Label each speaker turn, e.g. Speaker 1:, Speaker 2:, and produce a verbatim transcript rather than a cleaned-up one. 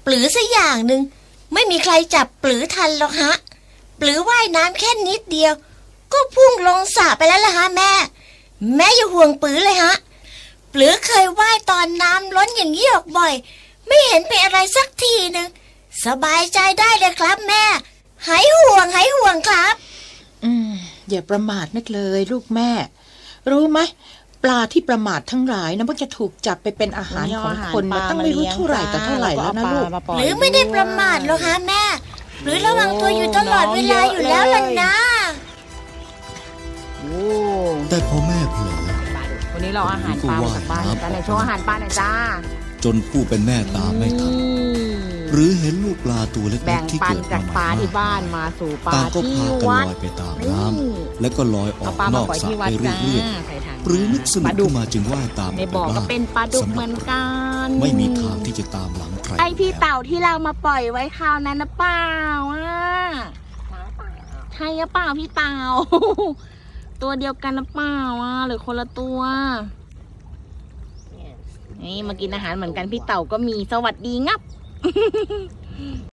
Speaker 1: ลือสักอย่างหนึ่งไม่มีใครจับปลือทันหรอกฮะปลือว่ายน้ำแค่นิดเดียวก็พุ่งลงสระไปแล้วล่ะฮะแม่แม่อย่าห่วงปลือเลยฮะปลือเคยว่ายตอนน้ำล้นอย่างนี้ออกบ่อยไม่เห็นเป็นอะไรสักทีหนึ่งสบายใจได้เลยครับแม่หายห่วงหายห่วงครับ
Speaker 2: อืมอย่าประมาทนักเลยลูกแม่รู้ไหมปลาที่ประมาททั้งหลายนะมันจะถูกจับไปเป็นอาหารของคนมาตั้งไม่รู้เท่าไหร่ต่อเท่าไหร่แล้วนะลูก
Speaker 1: หรือไม่ได้ประมาทหรอกฮะแม่หรือระวังตัวอยู่ตลอดเวลาอยู่แล้วล่ะนะ
Speaker 3: แต่พอแม่เผลอ
Speaker 4: วันนี้เราอาหารปลาจากบ้านกันในช่วงอาหารปลาหน่อยจ้า
Speaker 3: จนผู้เป็นแม่ตามไม่ทันหรือเห็นลูกปลาตัวเล็กๆที่เกิดมาใหม่
Speaker 4: ที่บ้านมาสู่ปลา
Speaker 3: ต่างก็พากันลอยไปตามน้ำและก็ลอยออกนอกสระไปเรื่อยๆหรือนึกสนุกขึ้นมาจึงว่ายตาม
Speaker 4: ในบ่อก็เป็นปลาดุกเหมือนกัน
Speaker 3: ไม่มีทางที่จะตามหลังใคร
Speaker 4: ไอพี่เต่าที่เรามาปล่อยไว้คราวนั้นนะเปล่าอ่ะใช่หรือเปล่าพี่เต่าตัวเดียวกันนะเปล่าอ่ะหรือคนละตัวนี่มากินอาหารเหมือนกันพี่เต่าก็มีสวัสดีงับ